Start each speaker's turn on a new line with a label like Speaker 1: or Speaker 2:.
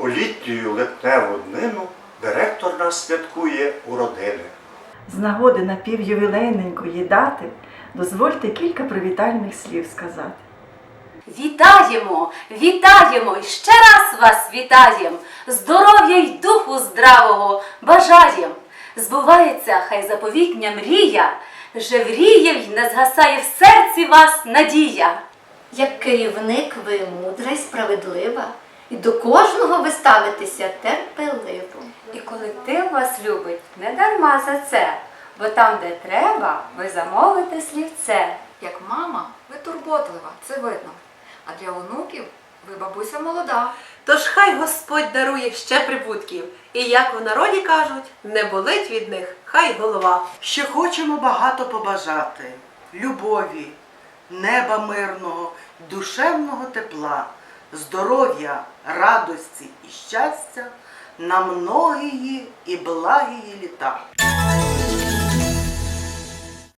Speaker 1: У літню липневу днину директор нас святкує у родини.
Speaker 2: З нагоди напівювілейненької дати дозвольте кілька привітальних слів сказати.
Speaker 3: Вітаємо, вітаємо, і ще раз вас вітаєм, здоров'я й духу здравого бажаєм. Збувається хай заповітня мрія, жевріє й не згасає в серці вас надія.
Speaker 4: Як керівник ви мудра й справедлива, і до кожного ви ставитеся терпеливо.
Speaker 5: І колектив вас любить не дарма за це, бо там, де треба, ви замовите слівце.
Speaker 6: Як мама, ви турботлива, це видно. А для онуків ви бабуся молода.
Speaker 7: Тож хай Господь дарує ще прибутків, і як у народі кажуть, не болить від них хай голова.
Speaker 8: Ще хочемо багато побажати любові, неба мирного, душевного тепла, здоров'я, радості і щастя на многії і благії літа.